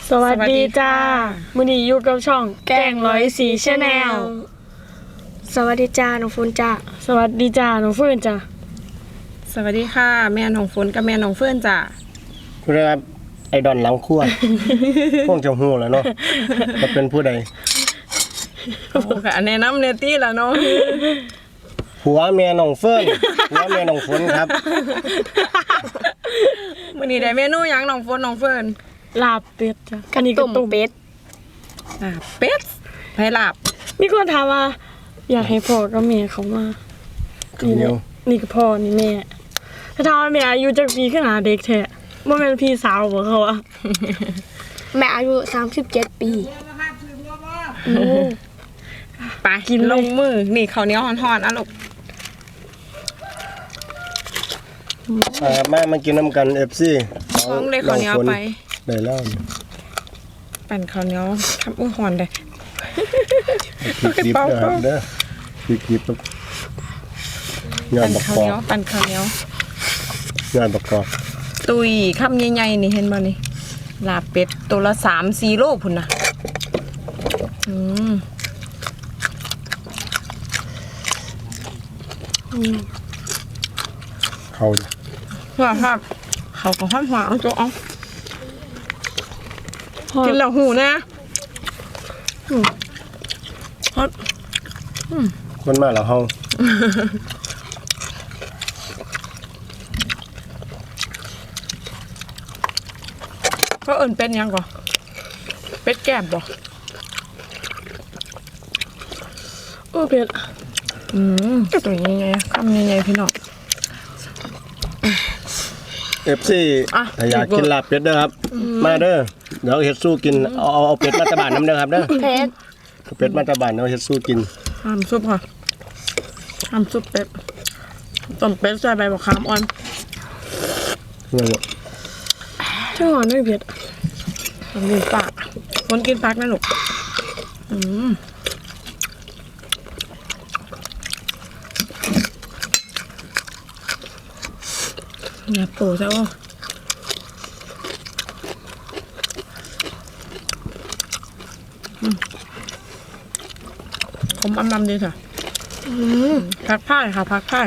สวัสดีจ้ามื้อนี้อยู่กับช่องแกง104 Channel สวัสดีจ้าน้องฝนจ้าสวัสดีจ้าน้องเฟิร์นจ้าสวัสดีค่ะแม่น้องฝนกับแม่น้องเฟิร์นจ้าคุณครับไอดอนหลังขั้วพวกเจ้าหูแล้วเนาะจะเป็นผู้ใดโอ้ค่ะแนะนำเนตี้ละเนาะผัวแม่น้องเฟิร์นผัวแม่น้องฝนครับมื้อนี้ได้เมนูหยังน้องฝนน้องเฟิร์นลาบเป็ดจ้าอันนี้ก็ต้มเป็ดเป็ดไผลาบมีคนถามว่าอยากให้พ่อกับแม่เขามานี่ก็พ่อนี่แม่ถ้าถามว่าแม่อายุจักปีขึ้นหาเด็กแท้บ่แม่นพี่สาวบ่เขาอ่ะแม่อายุ37 ปีไปกินลงมือนี่ข้าวเหนียวฮ้อนๆอ่ะลูกมากินน้ำกัน FC ท้องเลยข้าวเหนียวไปได้แล้วปั่นข้าวเหนียวทำฮ้อนได้พริกดิบเด้อพริกดิบงานบักกอกปั่นข้าวเหนียวงานบักกอกตุยคำใหญ่ๆนี่เห็นบ่นี่ลาบเป็ดตัวละ 3-4 โลพุ่นน่ะเขาครับเขาก็ฮ้อนๆเอาตัวเอากินแล้วหูนะคนมาแล้วเฮาก็เอิ้นเป็นยังก่อเป็ดแก้มบ่เป็ดตัวใหญ่ๆคำใหญ่ๆพี่น้อง FC ถ้าอยากกินลาบเป็ดเด้อครับมาเด้อเดี๋ยวเฮ็ดสู้กินเอาเป็ดมาตะบานน้ำเด้อครับเด้อเป็ดมาตะบานเอาเฮ็ดสู้กินทำซุปค่ะทำซุปเป็ดต้มเป็ดใส่ใบบักขามอ่อนช่างหวานด้วยเผ็ดกินปากคนกินปากนะลูกเนี่ยปูใช่ป่ะผมอำดีค่ะพักผ้าค่ะพักผ้า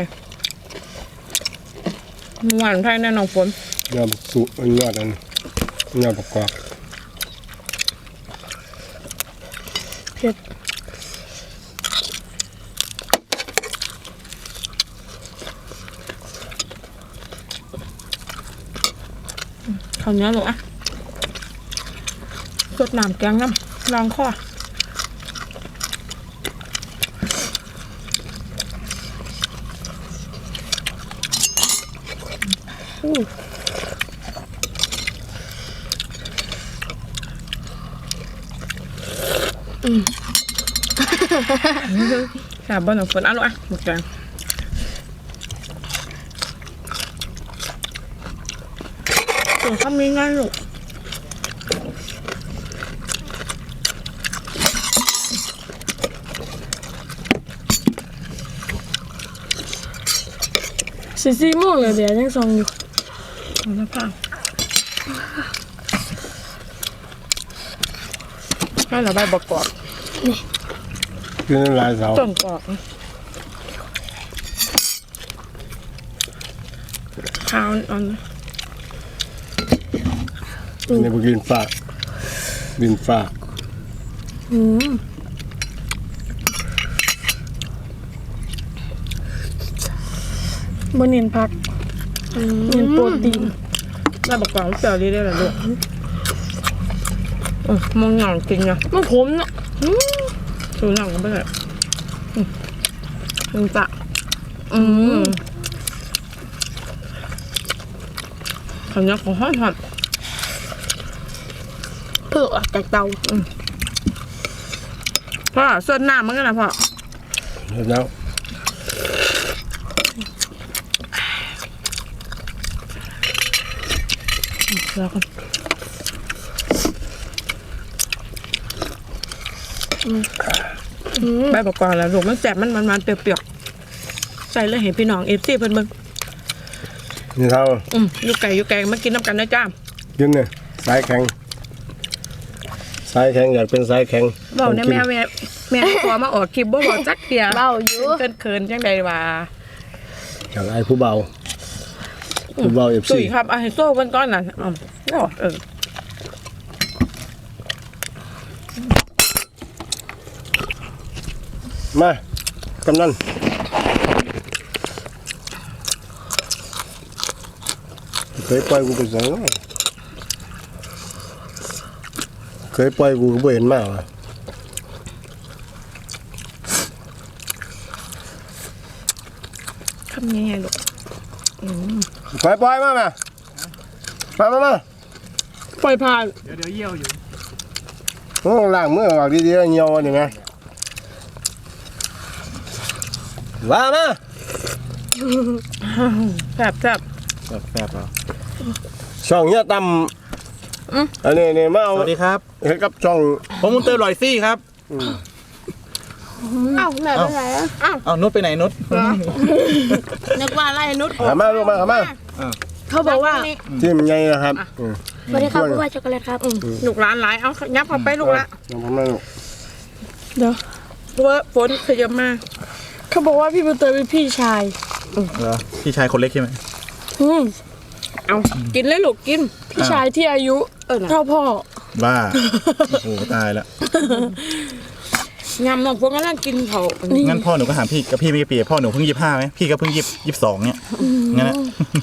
หวานไทยแน่นอนฝนยำสุยอดอันยอดประกอบเผ็ดข้าวเหนียวลูกอ่ะสดน้ำแกงน้ำลองข้อแซ่บบ่หนูฝนอ่ะลูกอ่ะหมดแกงตัวทำง่ายๆลูก 4 โมงเลยเดี๋ยวยังส่องอยู่แล้วผ้าให้เราใบบักกอกนี่กินหลายเสาต้นกอกข้าวอ่อนในบุกินฝากดินฝากบนเน้นผักเน้นโปรตีนใบบักกอกเปรี้ยวดีได้เลยลูกมองหนังจริงนะมันขมเนาะดูหนังกันไปเลยมึงจะข้าวเหนียวของห่อนเผือกจากเตาพ่อส่วนน้ำมันกันนะพ่อแล้วแล้วกันใบประกอบแล้วลูกมันแสบมันเปรี้ยวๆใส่เลยให้พี่น้องFCเพิ่นเบิ่งนี่เท่าอยู่ไก่มากินน้ำกันนะจ้ากินเนี่ยสายแข็งสายแข็งอยากเป็นสายแข็งบอกเนี่ยแม่ขอมาออกคลิปบ่บอกจักเดียวเบาอยู่เขินจังใดวะอยากไอ้ผู้เบาผู้เบา FC ตุ้ยครับให้โซ่เพิ่นก่อนน่ะมากำนันเคยปล่อยกูไปสังเคยปล่อยกูก็บ่เห็นมากว่ะทำยังไงลูกปล่อยมามามาปล่อยผ่านโอ้ล้างมือออกดีๆเหี่ยวนี่ไงว่ามาแซ่บแซ่บเหรอช่องเฮียตำอันนี้มาเอาสวัสดีครับเห็นกับช่องผมมุนเตอร์ลอยซี่ครับเอ้าแม่ไปไหนอะเอานุชไปไหนนุชนึกว่าไล่นุชหามาลูกมาหามาเขาบอกว่าที่มันใหญ่นะครับสวัสดีครับผู้ว่าช็อกโกแลตครับลูกร้านหลายเอายับเข้าไปลูกละลองทำมาลูกเดี๋ยวเพราะว่าฝนขยับมาเขาบอกว่าพี่บุญเตยเป็นพี่ชายเหรอพี่ชายคนเล็กใช่ไหมอืมเอากินเลยลูกกินพี่ชายที่อายุน่ะเท่าพ่อบ้า โอ้โหตายแล้วงามน้องพวกกำลังกินเขางั้นพ่อหนูก็ถามพี่กับพี่ไม่กี่ปีพ่อหนูเพิ่ง25ไหมพี่ก็เพิ่ง22เนี่ยงั้นนะ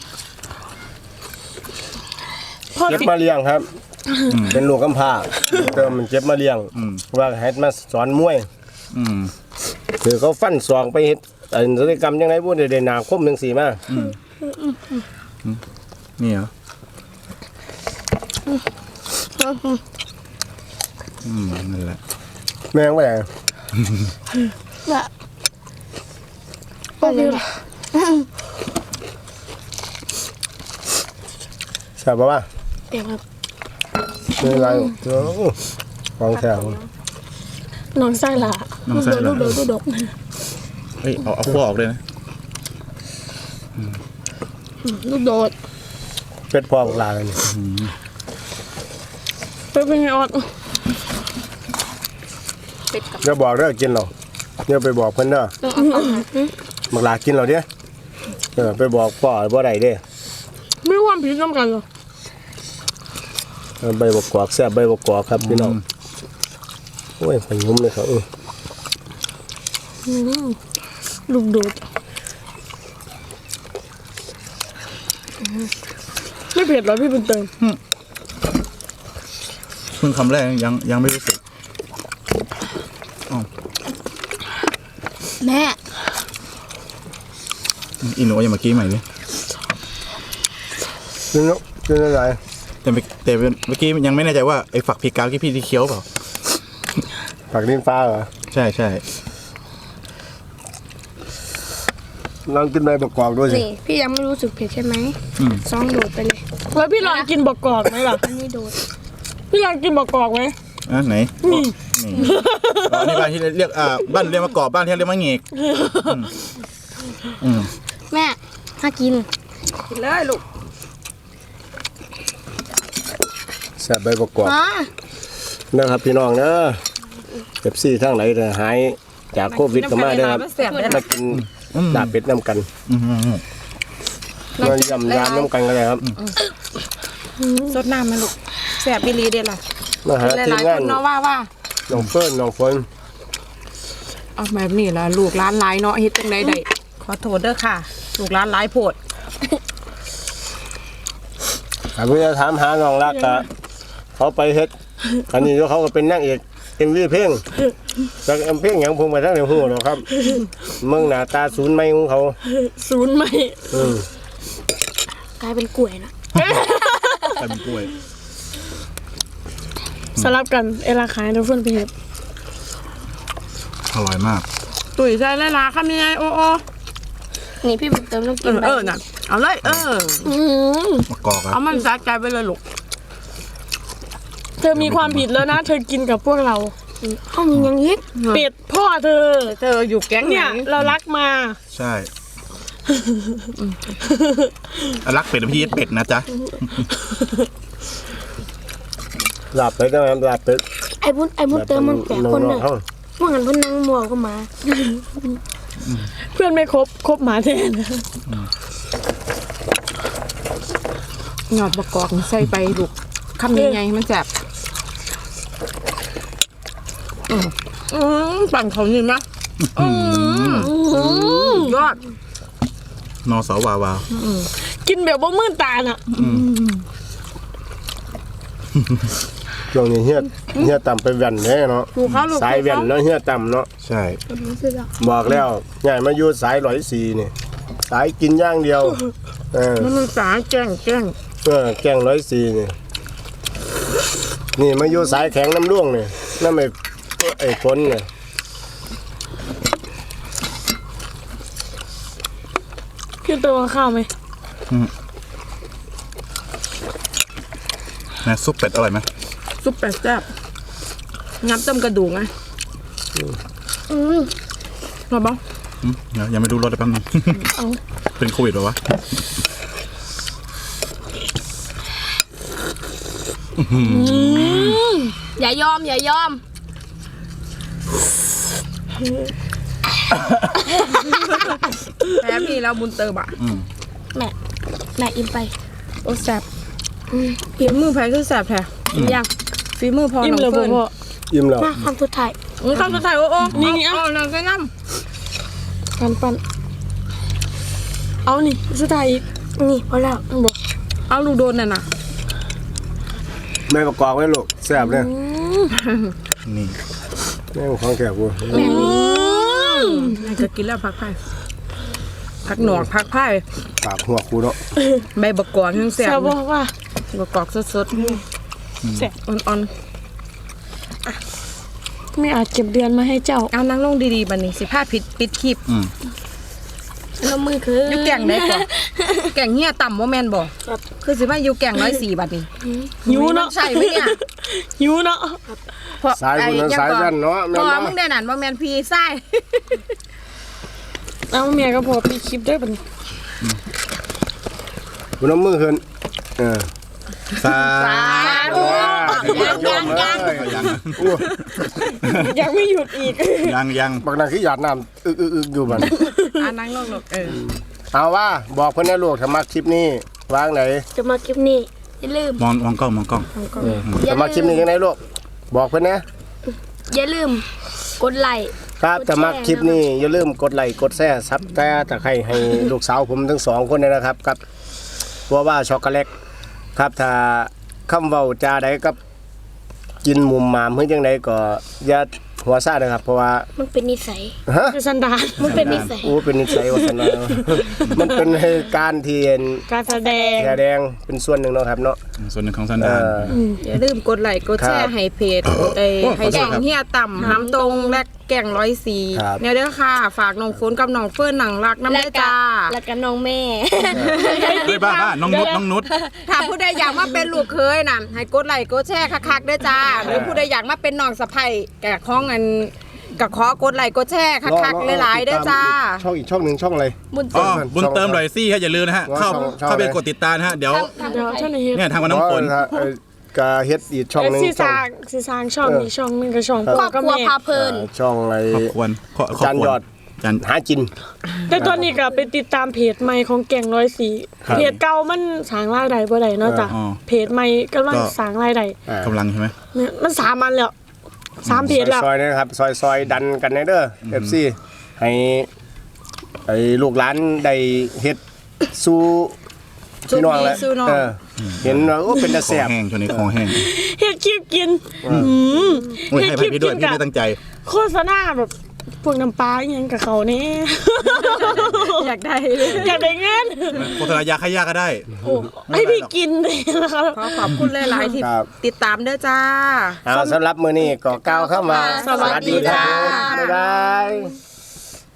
พ่อเจ็บมาเลี้ยงครับ เป็นลูกกำพร้าเติมมันเจ็บมาเลี้ยงว่าให้มาสอนมวยอืมคือเขาฟันศอกไปเฮ็ดศัลยกรรมยังไงพูดได้หนาคมจังซี่มานี่เหรอนั่นแหละแม่งว่าหยังก็เลยทราบบ่ว่าเดี๋ยวครับมีอะไรของแถวน้องไส้ละน้องไส้เหรอลูกดกเฮ้ยเอาขั้วออกเลยนะลูกโดดเป็ดพ่อของลาเลยนี่เป็นไงออดอย่าบอกเด้อกินเราอย่าไปบอกเพิ่นเด้อบักลากินเราเด้ไปบอกพ่อบ่ได้เด้ไม่ว่าผิดน้ำกันเหรอใบบักกอกแซ่บใบบักกอกครับพี่น้องโอ้ยขยุ่มเลยครับลูกโดดไม่เผ็ดเหรอพี่บุญเติมเพิ่งคำแรกยังไม่รู้สึกแม่อีหนูอย่ามากี้ใหม่ดิกินอะไรแต่เมื่อกี้ยังไม่แน่ใจว่าไอ้ฝักพริกกาวที่พี่ที่เคี้ยวเปล่าผักลิ้นฟ้าเหรอใช่ใช่ลองกินใบบักกอกด้วยสินี่พี่ยังไม่รู้สึกเผ็ดใช่ไหมซองโดดไปเลยแล้วพี่ลองกินบกกอกไหมล่ะอันนี้โดดพี่ลองกินบกกอกไหมอ่ะไหนนี่อ๋อนี่บ้านที่เรียกบ้านเรียกมากรอบบ้านที่เรียกมาเงกอืมแม่ถ้ากินกินเลยลูกแซ่บใบบักกอกอ๋อนะครับพี่น้องเด้อเจ็บซี่ทั้งไหนเด้อหายจากโควิดก็มาเด้อครับแซ่บเลยมากินลาบเป็ดน้ำกันอืมมายำยำน้ำกันก็ได้ครับสดน้ำไหมลูกแซ่บบิลีเด็ดล่ะมาหาหทีมลายๆงาคน นเนาะว่าน้องเฟิร์นน้องฝนเอาแบบนี้ล่ะลูกร้านหลายเนาะเฮ็ดจังไดได้ขอโทษเด้อค่ะ ลูกร้านหลายโพดถ้าเพื่อถามหาน้องรักกะเขาไปเฮ็ดอันนี้เขาก็เป็นนางเอกMVเพลงจากเพลงหยังผมไปทั้งในหูหรอกครับเมืองหน้าตาศูนย์ไม่ของเขาศูนย์ไหมกลายเป็นกล้วยนะใส่เป็นกล้วยสลับกันเอลาขายทุกคนไปเห็ดอร่อยมากตุ๋ยใส่เลยล่ะคำยังไงโอ้นี่พี่บุญเติมต้องกินใบน่ะเอาเลยมะกอกครับเอามันสะใจไปเลยลูกเธอมีความผิดแล้วนะ เธอกินกับพวกเราห้องมียังยิกเป็ดพ่อเธอเธออยู่แก๊งเนี่ย เรารักมาใช่รักเป็ดพี่เป็ดนะจ๊ะลาบเป็ดนะครับลาบเป็ดบุญเติมมันแปลกคนเลยว่างั้นเพิ่นนั่งมัวเข้ามาเพื่อนไม่ครบหมาแทนหยอดประกอบใส่ไปลูกคำยังไงมันแซ่บปั่นเขานี่นะยอดนอสาวาวากินแบบบ่มื่นตาน่ะช่วงนี้เฮียต่ำไปแว่นแน่เนาะลูกเขาลูกสายแว่นเนาะเฮียต่ำเนาะใช่บอกแล้วใหญ่มาอยู่สาย104นี่สายกินอย่างเดียวมันสาแจ้งแกง104นี่มาอยู่สายแข็งน้ำร่วงนี่น้ำไอ้ฝนเนี่ยคือตัวข้าวไหมนะซุปเป็ดอร่อยไหมซุปแปดแซ่บงับต้มกระดูกไงรอบ้างเดี๋ยวยังไม่ดูรสเลยแป๊บนึงเป็นโควิดหรอวะอย่ายอมแพ้พี่แล้วบุญเติมอ่ะแม่อิ่มไปโอ้แซ่บฝีมือแพ้คือแซ่บแท้ยังฝีมือพออิ่มน้องเลยเฟิร์นพ่ออิ่มแล้วมาคำสุดท้ายข้าวสุดท้ายโอ้นี่เอานางใส่น้ปันเอานี่สุดท้ายอีกนี่พอแล้วบอกำเอาลูกโดนน่ะนะไม่ประกอบไว้ลูกแซ่บเลยนี่แม่ของแก่กูจะกินแล้วพักไผ่พักหนอกพักไผ่ปากหัวกูเนาะใบบักกอนยังแซ่แซ่บบบอกว่าบักกอกสดแซ่บๆอ่อนไม่อาจเก็บเดือนมาให้เจ้าๆเอานั่งลงดีๆบัดนี้สิผ้าปิดคลิปแล้วมือคืออยู่แก่งได้ก่อนแก่งเฮียต่ำว่าแมนบ่คือสิว่าอยู่แก่ง104บัดนี้หิวเนาะใช่ไหมเนี่ยหิวเนาะเพราะสายบุญนั้นสายยันเนาะเพแม่นราะว่ามึเนาะงได้นั่นว่าแมนพี่ไส้เอาเมียก็พอปีคลิปได้ปะนี่กูน้ำมือขึ้นสาธุยังยังไม่หยุดอีกยังบางนางขี้หยาดน้ำอึกอยู่บัดนั่งลงลูกเอาว่าบอกเพื่อนนะลูกถ้ามาคลิปนี้วางไหนจะมาคลิปนี้อย่าลืมมองกล้องถ้ามาคลิปนี้ยังไงลูกบอกเพื่อนนะอย่าลืมกดไลค์ครับถ้ามาคลิปนี้อย่าลืมกดไลค์กดแชร์ซับแต่ตะไคร้ให้ลูกสาวผมทั้งสองคนเลยนะครับกับว่าช็อกโกแลตครับถ้าคำเว้าจาใดกับกินมุมมามเพื่อยังไงก็อย่าหัวซ่าเลยครับเพราะว่ามันเป็นนิสัยฮะคือสันดานมันเป็นนิสัยโอ้เป็นนิสัยวัฒนธรรม มันเป็นการเทียนการแสดงแสดงเป็นส่วนหนึ่งเนาะครับเนาะส่วนหนึ่งของสันดานอย่าลืมกดไลค์กดแชครัร์บให้เพจให้แก่งเฮียต่ำน้ำตรงและแก่ง104 ครับเนี่ยเด้อค่ะ ฝากน้องฝนกับน้องเฟิร์นหนังรักน้ำและได้กัจ้าและกันน้องแม่เฮ้ยบ้าน้องนุชถ้าผู้ใดอยากมาเป็นลูกเคยน่ะให้กดไลค์กดแชร์คักๆเด้อจ้า หรือผู้ใดอยากมาเป็นน้องสะใภ้แก่ข้องอันก็ขอกดไลค์กดแชร์คักๆหลายๆเด้อจ้าช่องอีกช่องหนึ่งช่องอะไรบุญอ๋เติอมบุญเติมหน่อยซี่ฮะอย่าลืมนะฮะเข้าไปกดติดตามนะฮะเดี๋ยวเดี๋ยวเจ้าหน้าที่เนี่ยทางวันน้องฝนกาเฮ็ดอีกช่องหนึ่งสีสร้างช่องนี้ช่องหนึงกับช่องครพ่ออบกับครัวแม่พาเพลินช่องอะไรขอบควรจานยอดจานหาจินแต่ตอนนี้ก็ไปติดตามเพจใหม่ของแก่ง104 ครับเพจเก่ามันสร้างรายได้บ่ได้เนาะจ้ะเพจใหม่กำลังสร้างรายได้กำลังใช่ไหมเนี่ยมัน3อันแล้ว3เพจแล้วซอยๆนะครับซอยดันกันในเด้อ FC ให้ไอ้ลูกหลานได้เฮ็ดสู้พี่น้องแล้วสู้น้องเห็นว่าโอ้เป็นตาคแซ่อบ แห้งช่วงนี้คอแห้งเฮ็ดคลิปกินโอ้ยให้ไปพี่ด้วยพี่ไม่ตั้งใจโฆษณาแบบพวกน้ำปลาอหยังกับเขานี่อยากได้อยากได้เงินโฆษณายาขายยาก็ได้โอ้ให้พี่กินเลยนะครับขอขอบคุณหลายๆที่ติดตามเด้อจ้าเอาสำหรับมื้อนี้ก็ก้าวเข้ามาสวัสดีจ้าบ๊ายบาย